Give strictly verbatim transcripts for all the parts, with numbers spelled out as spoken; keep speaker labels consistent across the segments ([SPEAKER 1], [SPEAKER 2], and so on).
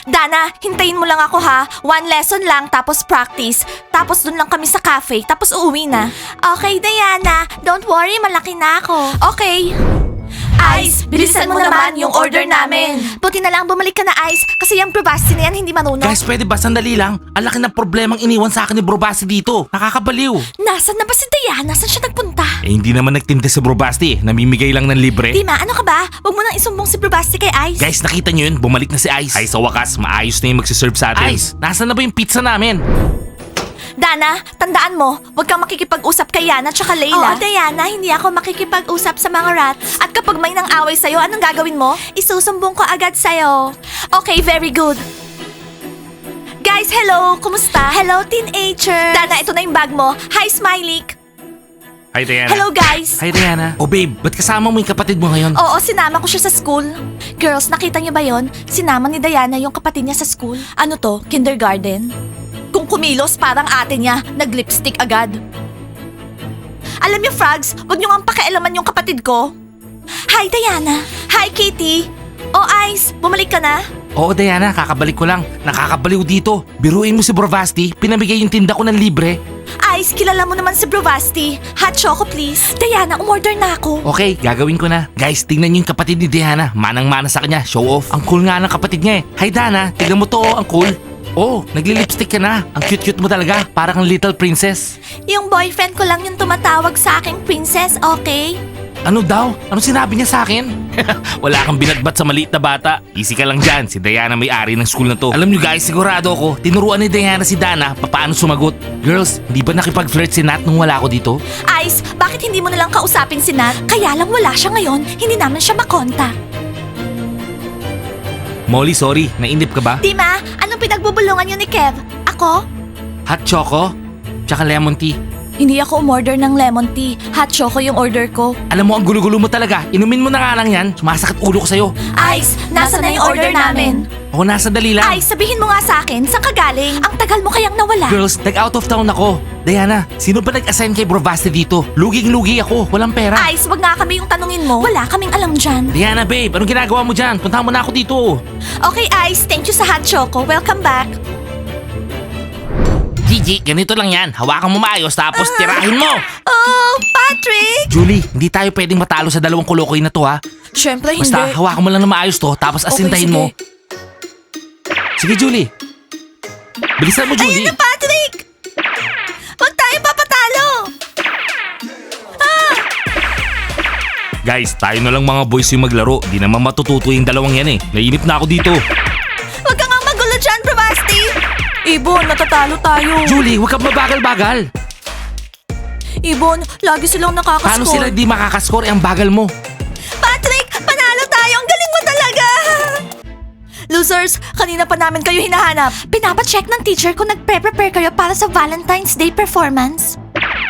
[SPEAKER 1] Dana, hintayin mo lang ako ha. One lesson lang, tapos practice. Tapos dun lang kami sa cafe, tapos uuwi na. Okay, Diana. Don't worry, malaki na ako. Okay. Ice, bilisan mo naman yung order namin. Buti na lang bumalik ka na, Ice. Kasi yung Bravasti na yan hindi marunong.
[SPEAKER 2] Guys, pwede ba sandali lang? Ang laki ng problemang iniwan sa akin ni Bro Basti dito. Nakakabaliw.
[SPEAKER 1] Nasaan na ba si Diana? Saan siya nagpunta?
[SPEAKER 2] Eh hindi naman nagtinte si Bro Basti. Namimigay lang ng libre.
[SPEAKER 1] Dima, ano ka ba? Huwag mo nang isumbong si Bravasti kay Ice.
[SPEAKER 2] Guys, nakita nyo yun? Bumalik na si Ice. Ay, sa wakas, maayos na yung magsiserve sa atin. Ice, nasaan na ba yung pizza namin?
[SPEAKER 1] Dana, tandaan mo, huwag kang makikipag-usap kay Yana tsaka Layla. Oo, Diana, hindi ako makikipag-usap sa mga rats. At kapag may nang away sa'yo, anong gagawin mo? Isusumbong ko agad sa'yo. Okay, very good. Guys, hello! Kumusta? Hello, teenagers! Dana, ito na yung bag mo. Hi, Smiley!
[SPEAKER 2] Hi, Diana.
[SPEAKER 1] Hello, guys!
[SPEAKER 2] Hi, Diana. Oh, babe, ba't kasama mo yung kapatid mo ngayon?
[SPEAKER 1] Oo, sinama ko siya sa school. Girls, nakita niyo ba yon? Sinama ni Diana yung kapatid niya sa school. Ano to? Kindergarten? Kung kumilos, parang ate niya, nag-lipstick agad. Alam niyo, Frogs, wag niyo nga pakialaman yung kapatid ko. Hi, Diana. Hi, Kitty. Oh, Ice, bumalik ka na?
[SPEAKER 2] Oo, Diana, kakabalik ko lang. Nakakabaliw dito. Biruin mo si Bro Basti, pinamigay yung tinda ko ng libre.
[SPEAKER 1] Ice, kilala mo naman si Bravasti. Hot choco, please. Diana, umorder na ako.
[SPEAKER 2] Okay, gagawin ko na. Guys, tingnan niyo yung kapatid ni Diana. Manang-mana sa kanya, show off. Ang cool nga ng kapatid niya eh. Hi, Dana, tignan mo to, oh, ang cool. Oh, nagli-lipstick ka na. Ang cute-cute mo talaga. Parang kang little princess.
[SPEAKER 1] Yung boyfriend ko lang yung tumatawag sa aking princess, okay?
[SPEAKER 2] Ano daw? Ano sinabi niya sa akin? Wala kang binatbat sa maliit na bata. Easy ka lang dyan. Si Diana may-ari ng school na to. Alam niyo guys, sigurado ako, tinuruan ni Diana si Dana paano sumagot. Girls, hindi ba nakipag-flirt si Nat nung wala ako dito?
[SPEAKER 1] Ice, bakit hindi mo nalang kausapin si Nat? Kaya lang wala siya ngayon, hindi naman siya makontak.
[SPEAKER 2] Molly, sorry. Nainip ka ba?
[SPEAKER 1] Dima, anong pinagbubulungan niyo ni Kev? Ako?
[SPEAKER 2] Hot choco? Tsaka lemon tea.
[SPEAKER 1] Hindi ako umorder ng lemon tea. Hot choco yung order ko.
[SPEAKER 2] Alam mo, ang gulo-gulo mo talaga. Inumin mo na nga lang yan. Sumasakit ulo ko sa'yo.
[SPEAKER 1] Ice, nasa na yung order namin?
[SPEAKER 2] Oo, nasa dali lang.
[SPEAKER 1] Ice, sabihin mo nga sa akin, saan ka galing? Ang tagal mo kayang nawala.
[SPEAKER 2] Girls, nag-out of town ako. Diana, sino ba nag-assign kay Bro Basti dito? Luging-lugi ako. Walang pera.
[SPEAKER 1] Ice, wag nga kami yung tanungin mo. Wala kaming alam dyan.
[SPEAKER 2] Diana, babe, anong ginagawa mo dyan? Puntahan mo na ako dito.
[SPEAKER 1] Okay, Ice, thank you sa hot choco. Welcome back.
[SPEAKER 2] Gigi, ganito lang yan. Hawakan mo maayos tapos tirahin mo.
[SPEAKER 1] Oh, Patrick!
[SPEAKER 2] Julie, hindi tayo pwedeng matalo sa dalawang kolokoy na to ha.
[SPEAKER 1] Siyempre hindi.
[SPEAKER 2] Basta hawakan mo lang na maayos to tapos asintahin
[SPEAKER 1] sige.
[SPEAKER 2] mo. Sige, Julie. Bilisan mo, Julie.
[SPEAKER 1] Ayun na, Patrick! Huwag tayo papatalo! Ah!
[SPEAKER 2] Guys, tayo na lang mga boys yung maglaro. Di naman matututo yung dalawang yan eh. Nainip na ako dito.
[SPEAKER 1] Huwag ka nga magulo dyan, Bravasti! Ibon, natatalo tayo.
[SPEAKER 2] Julie, huwag kang mabagal-bagal.
[SPEAKER 1] Ibon, lagi silang nakakaskor.
[SPEAKER 2] Paano sila di makakaskor? Eh, ang bagal mo.
[SPEAKER 1] Patrick, panalo tayo! Ang galing mo talaga! Losers, kanina pa namin kayo hinahanap. Pinapacheck ng teacher kung nagpre-prepare kayo para sa Valentine's Day performance.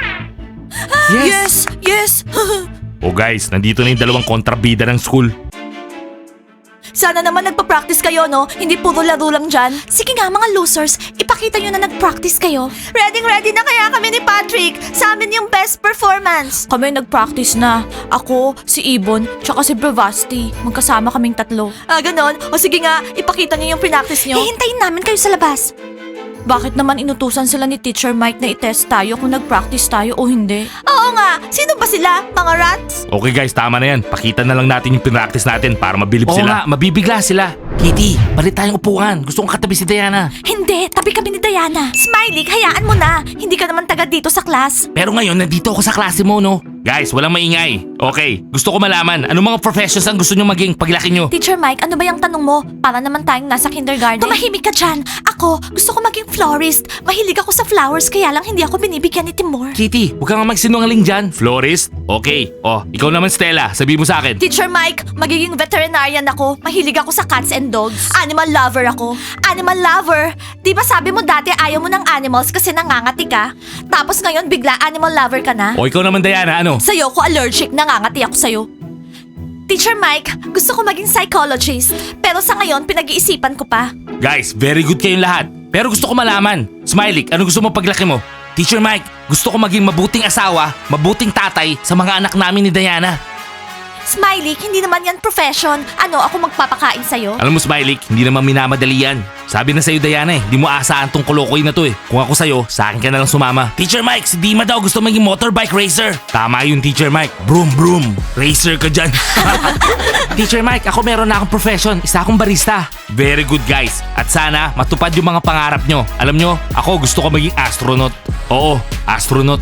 [SPEAKER 1] Yes, yes!
[SPEAKER 2] Oh guys, nandito na yung dalawang kontrabida ng school.
[SPEAKER 1] Sana naman nagpa-practice kayo, no? Hindi puro laro lang dyan. Sige nga, mga losers, ipakita nyo na nag-practice kayo. Ready-ready na kaya kami ni Patrick. Sa amin yung best performance. Kami nag-practice na. Ako, si Ibon, tsaka si Bravasti. Magkasama kaming tatlo. Ah, ganon? O sige nga, ipakita nyo yung pinactice nyo. Hihintayin namin kayo sa labas. Bakit naman inutusan sila ni Teacher Mike na i-test tayo kung nag-practice tayo o hindi? Oo nga! Sino ba sila? Mga rats?
[SPEAKER 2] Okay guys, tama na yan. Pakita na lang natin yung pinractice natin para mabilib sila. Oo nga, mabibigla sila. Kitty, palit tayong upuan. Gusto kong katabi si Diana.
[SPEAKER 1] Hindi, tabi kami ni Diana. Smiley, hayaan mo na. Hindi ka naman taga dito sa class.
[SPEAKER 2] Pero ngayon, nandito ako sa klase mo, no? Guys, walang maingay. Okay, gusto ko malaman, anong mga professions ang gusto nyo maging paglaki nyo?
[SPEAKER 1] Teacher Mike, ano ba yung tanong mo? Para naman tayong nasa kindergarten. Tumahimik ka dyan. Ako, gusto ko maging florist. Mahilig ako sa flowers, kaya lang hindi ako binibigyan ni Timur.
[SPEAKER 2] Kitty, huwag ka nga magsinungaling dyan. Florist? Okay. Oh, ikaw naman Stella, sabi mo sa akin.
[SPEAKER 1] Teacher Mike, magiging veterinarian ako. Mahilig ako sa cats and dogs. Animal lover ako. Animal lover? Di ba sabi mo dati ayaw mo ng animals kasi nangangati ka? Tapos ngayon bigla animal lover ka na?
[SPEAKER 2] O ikaw naman Diana, ano?
[SPEAKER 1] Sa'yo ko allergic, nangangati ako sa'yo. Teacher Mike, gusto ko maging psychologist. Pero sa ngayon, pinag-iisipan ko pa.
[SPEAKER 2] Guys, very good kayong lahat. Pero gusto ko malaman. Smiley, ano gusto mo paglaki mo? Teacher Mike, gusto ko maging mabuting asawa, mabuting tatay sa mga anak namin ni Diana.
[SPEAKER 1] Smiley, hindi naman yan profession. Ano, ako magpapakain sa'yo?
[SPEAKER 2] Alam mo, Smiley, hindi naman minamadali yan. Sabi na sa'yo, Diana eh, di mo asahan tong kolokoy na to eh. Kung ako sa'yo, sa akin ka na lang sumama. Teacher Mike, si Dima daw gusto maging motorbike racer. Tama yun, Teacher Mike. Broom, broom. Racer ka dyan. Teacher Mike, ako meron na akong profession. Isa akong barista. Very good, guys. At sana, matupad yung mga pangarap nyo. Alam nyo, ako gusto ko maging astronaut. Oo, astronaut.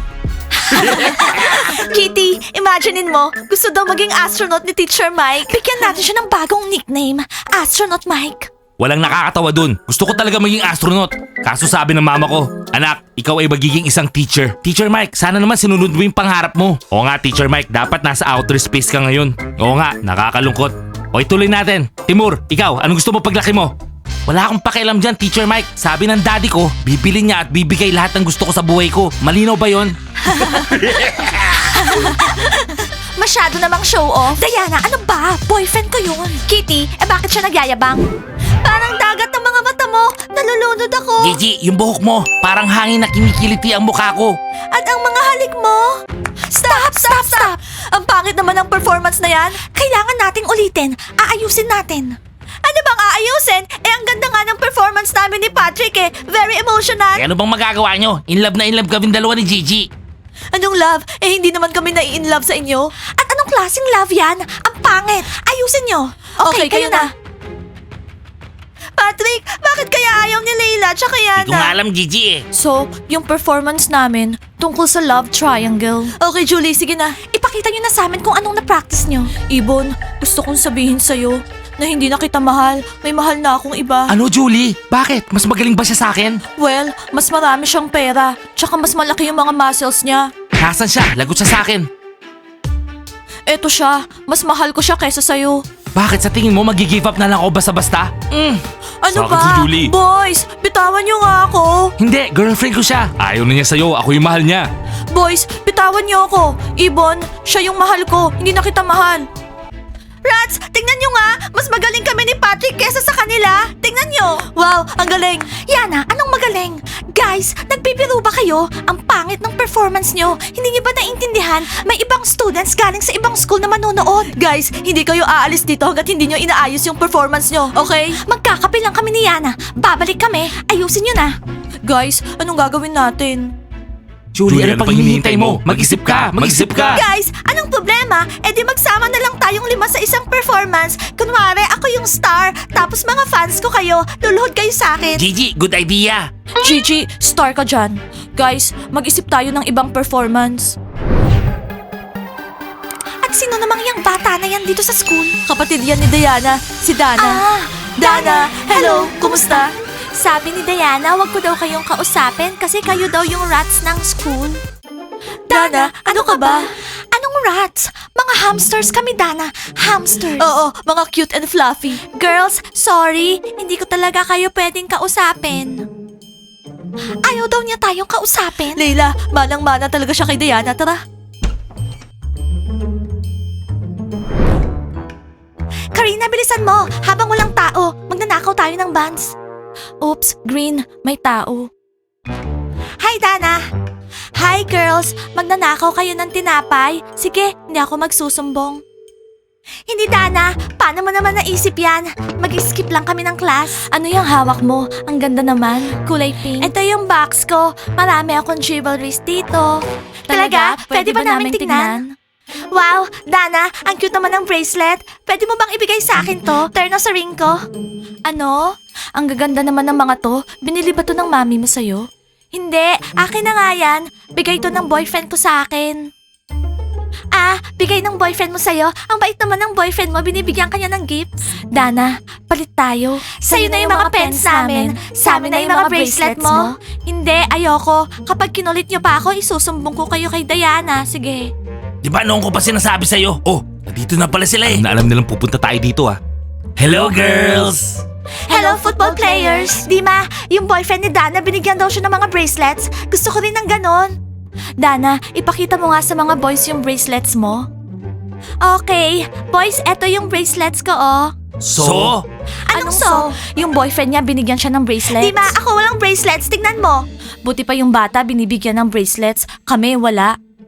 [SPEAKER 1] Kitty, imaginein mo, gusto daw maging astronaut ni Teacher Mike. Bigyan natin siya ng bagong nickname, Astronaut Mike.
[SPEAKER 2] Walang nakakatawa dun. Gusto ko talaga maging astronaut. Kaso sabi ng mama ko, anak, ikaw ay magiging isang teacher. Teacher Mike, sana naman sinunod mo yung pangarap mo. Oo nga, Teacher Mike, dapat nasa outer space ka ngayon. Oo nga, nakakalungkot. O ituloy natin. Timur, ikaw, anong gusto mo paglaki mo? Wala akong pakialam dyan, Teacher Mike. Sabi ng daddy ko, bibili niya at bibigay lahat ng gusto ko sa buhay ko. Malinaw ba yon?
[SPEAKER 1] Masyado namang show off. Diana, ano ba? Boyfriend ko yun. Kitty, eh bakit siya nagyayabang? Parang dagat ng mga mata mo. Nalulunod ako.
[SPEAKER 2] Gigi, yung buhok mo, parang hangin na kinikiliti ang mukha ko.
[SPEAKER 1] At ang mga halik mo. Stop, stop, stop. Ang pangit naman ng performance na yan. Kailangan nating ulitin. Aayusin natin. Ano bang aayusin? Eh, ang ganda nga ng performance namin ni Patrick eh. Very emotional.
[SPEAKER 2] Eh, ano bang magagawa nyo? In love na in love kaming dalawa ni Gigi.
[SPEAKER 1] Anong love? Eh, hindi naman kami nai-in love sa inyo. At anong klaseng love yan? Ang pangit. Ayusin nyo. Okay, kayo, na. Patrick, bakit kaya ayaw ni Layla tsaka Yana?
[SPEAKER 2] Hindi ko nga alam, Gigi eh.
[SPEAKER 1] So, yung performance namin tungkol sa love triangle. Okay, Julie, sige na. Ipakita nyo na sa amin kung anong na-practice nyo. Ibon, gusto kong sabihin sa'yo na hindi na kita mahal. May mahal na akong iba.
[SPEAKER 2] Ano, Julie? Bakit? Mas magaling ba siya sa akin?
[SPEAKER 1] Well, mas marami siyang pera. Tsaka mas malaki yung mga muscles niya.
[SPEAKER 2] Nasaan siya? Lagot siya sa akin.
[SPEAKER 1] Eto siya, mas mahal ko siya kaysa sa'yo.
[SPEAKER 2] Bakit sa tingin mo mag-give up na lang ako basta-basta? Mm.
[SPEAKER 1] Ano
[SPEAKER 2] Sakit
[SPEAKER 1] ba?
[SPEAKER 2] si Julie.
[SPEAKER 1] Boys, bitawan niyo nga ako.
[SPEAKER 2] Hindi, girlfriend ko siya. Ayaw na niya sa'yo, ako yung mahal niya.
[SPEAKER 1] Boys, bitawan niyo ako. Ibon, siya yung mahal ko, hindi na kita mahal. Rats, tingnan nyo nga! Mas magaling kami ni Patrick kesa sa kanila! Tingnan nyo! Wow, ang galing! Yana, anong magaling? Guys, nagbibiro ba kayo? Ang pangit ng performance nyo. Hindi nyo ba naintindihan? May ibang students galing sa ibang school na manonood. Guys, hindi kayo aalis dito hanggat hindi nyo inaayos yung performance nyo, okay? Magkakape lang kami ni Yana. Babalik kami. Ayusin nyo na. Guys, anong gagawin natin?
[SPEAKER 2] Julie, ano pang hinihintay mo? Mag-isip ka! Mag-isip ka!
[SPEAKER 1] Guys, anong problema? E di magsama na lang tayong lima sa isang performance. Kunwari, ako yung star, tapos mga fans ko kayo, luluhod kayo sa akin.
[SPEAKER 2] Gigi, good idea!
[SPEAKER 1] Gigi, star ka dyan. Guys, mag-isip tayo ng ibang performance. At sino namang yung bata na yan dito sa school? Kapatid yan ni Diana, si Dana. Ah, Dana, hello, kumusta? Sabi ni Diana, wag ko daw kayong kausapin kasi kayo daw yung rats ng school. Dana, ano ka ba? Anong rats? Mga hamsters kami, Dana. Hamsters. Oo, mga cute and fluffy. Girls, sorry. Hindi ko talaga kayo pwedeng kausapin. Ayaw daw niya tayong kausapin. Leila, manang-mana talaga siya kay Diana. Tara. Karina, bilisan mo. Habang walang tao, magnanakaw tayo ng buns. Oops, Green, may tao. Hi, Dana! Hi, girls! Magnanakaw kayo ng tinapay? Sige, hindi ako magsusumbong. Hindi, Dana. Paano mo naman naisip yan? Mag-skip lang kami ng class. Ano yung hawak mo? Ang ganda naman. Kulay pink. Ito yung box ko. Marami akong jewelries dito. Talaga? Pwede, ba namin tignan? Wow, Dana, ang cute naman ng bracelet. Pwede mo bang ibigay sa akin to? Turn sa ring ko. Ano? Ang gaganda naman ng mga to. Binili ba to ng mami mo sa'yo? Hindi, akin na nga yan. Bigay to ng boyfriend ko sa akin. Ah, bigay ng boyfriend mo sa'yo. Ang bait naman ng boyfriend mo, binibigyan kanya ng gifts. Dana, palit tayo. Sa'yo na yung mga pens namin. Sa amin na yung mga bracelet mo. Hindi, ayoko. Kapag kinulit niyo pa ako, isusumbong ko kayo kay Diana. Sige.
[SPEAKER 2] Di ba noon ko pa sinasabi sa'yo? Oh, nandito na pala sila eh. Alam na alam nilang pupunta tayo dito ah. Hello girls!
[SPEAKER 1] Hello, football players! Dima, yung boyfriend ni Dana, binigyan daw siya ng mga bracelets. Gusto ko rin ng ganon. Dana, ipakita mo nga sa mga boys yung bracelets mo. Okay, boys, eto yung bracelets ko, oh.
[SPEAKER 2] So?
[SPEAKER 1] Anong so? Yung boyfriend niya, binigyan siya ng bracelets. Dima, ako walang bracelets. Tignan mo. Buti pa yung bata, binibigyan ng bracelets. Kami, wala.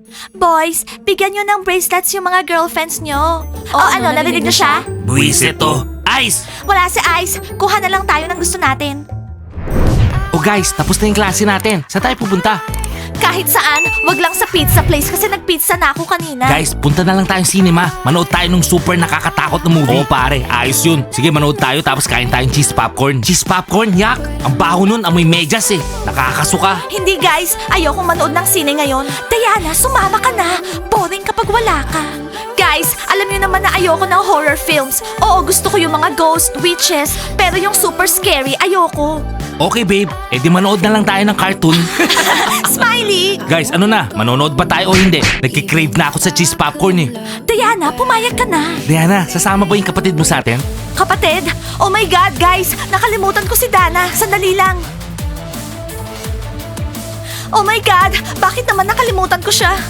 [SPEAKER 1] Boys, bigyan nyo ng bracelets yung mga girlfriends nyo. O ano, narinig nyo siya?
[SPEAKER 2] Buwisit to. Ice!
[SPEAKER 1] Wala si Ice. Kuha na lang tayo ng gusto natin.
[SPEAKER 2] Oh guys, tapos na yung klase natin. Saan tayo pupunta?
[SPEAKER 1] Kahit saan, wag lang sa pizza place kasi nagpizza na ako kanina.
[SPEAKER 2] Guys, punta na lang tayong cinema. Manood tayo ng super nakakatakot na movie. Oo pare, ayos yun. Sige, manood tayo tapos kain tayong cheese popcorn. Cheese popcorn? Yak! Ang baho nun, amoy medyas eh. Nakakasuka.
[SPEAKER 1] Hindi guys, ayokong manood ng sine ngayon. Diana, sumama ka na. Boring kapag wala ka. Guys, alam niyo naman na ayoko ng horror films. Oo, gusto ko yung mga ghost, witches, pero yung super scary, ayoko.
[SPEAKER 2] Okay babe, edi manood na lang tayo ng cartoon.
[SPEAKER 1] Smiley!
[SPEAKER 2] Guys, ano na? Manonood ba tayo o hindi? Nagkikrave na ako sa cheese popcorn eh.
[SPEAKER 1] Diana, pumayag ka na.
[SPEAKER 2] Diana, sasama ba yung kapatid mo sa atin?
[SPEAKER 1] Kapatid, oh my God, guys, nakalimutan ko si Dana. Sandali lang. Oh my God, bakit naman nakalimutan ko siya?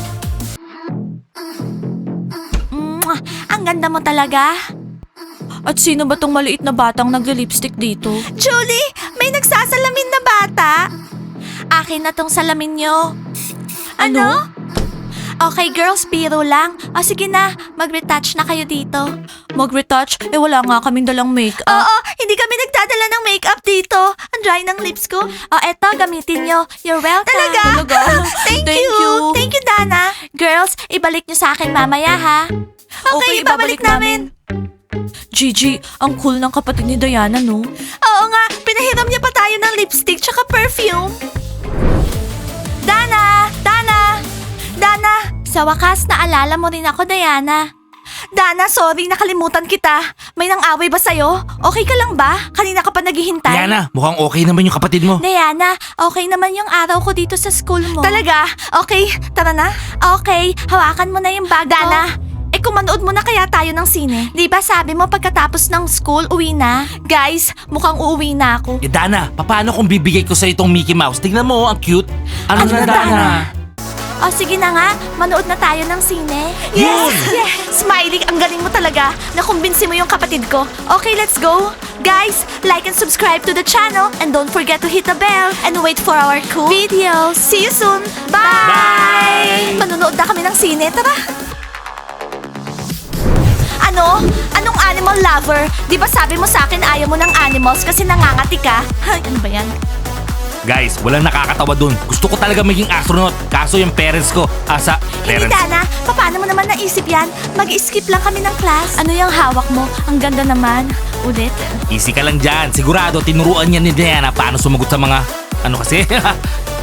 [SPEAKER 1] Mwah, ang ganda mo talaga. At sino ba tong maliit na batang nagli-lipstick dito? Julie, may nagsasalamin na bata. Akin na tong salamin nyo. Ano? Okay girls, biro lang. O sige na, mag-retouch na kayo dito. Mag-retouch? Eh wala nga kaming dalang makeup. Oo, hindi kami nagdadala ng makeup dito. Ang dry ng lips ko. O eto, gamitin nyo. You're welcome. Talaga? Thank,
[SPEAKER 2] Thank
[SPEAKER 1] you.
[SPEAKER 2] you.
[SPEAKER 1] Thank you, Dana. Girls, ibalik nyo sa akin mamaya ha. Okay, ibabalik namin. Gigi, ang cool ng kapatid ni Diana, no? Oo nga, pinahiram niya pa tayo ng lipstick tsaka perfume. Dana! Dana! Dana! Sa wakas, naalala mo rin ako, Diana. Dana, sorry, nakalimutan kita. May nang-away ba sa'yo? Okay ka lang ba? Kanina ka pa naghihintay.
[SPEAKER 2] Diana, mukhang okay naman yung kapatid mo.
[SPEAKER 1] Diana, okay naman yung araw ko dito sa school mo. Talaga? Okay, tara na. Okay, hawakan mo na yung bag Dana, eh kung manood mo na kaya tayo ng sine. Di ba sabi mo pagkatapos ng school, uwi na? Guys, mukhang uuwi na ako.
[SPEAKER 2] Eh Dana, paano kung bibigay ko sa itong Mickey Mouse? Tignan mo, ang cute. Ano,
[SPEAKER 1] Ano
[SPEAKER 2] na,
[SPEAKER 1] na,
[SPEAKER 2] Dana?
[SPEAKER 1] Dana? O sige na nga, manood na tayo ng sine.
[SPEAKER 2] Yun!
[SPEAKER 1] Yes! Smiley, ang galing mo talaga. Nakumbinsi mo yung kapatid ko. Okay, let's go. Guys, like and subscribe to the channel and don't forget to hit the bell and wait for our cool videos. See you soon. Bye!
[SPEAKER 2] Bye!
[SPEAKER 1] Manonood na kami ng sine. Tara! Ano? Anong animal lover? Di ba sabi mo sa akin ayaw mo ng animals kasi nangangati ka? Ay, ano ba yan?
[SPEAKER 2] Guys, walang nakakatawa dun. Gusto ko talaga maging astronaut. Kaso yung parents ko, asa,
[SPEAKER 1] Hindi,
[SPEAKER 2] parents.
[SPEAKER 1] Dana. Paano mo naman naisip yan? Mag-skip lang kami ng class. Ano yung hawak mo? Ang ganda naman. Ulit.
[SPEAKER 2] Easy ka lang dyan. Sigurado, tinuruan niya ni Diana paano sumagot sa mga, ano kasi,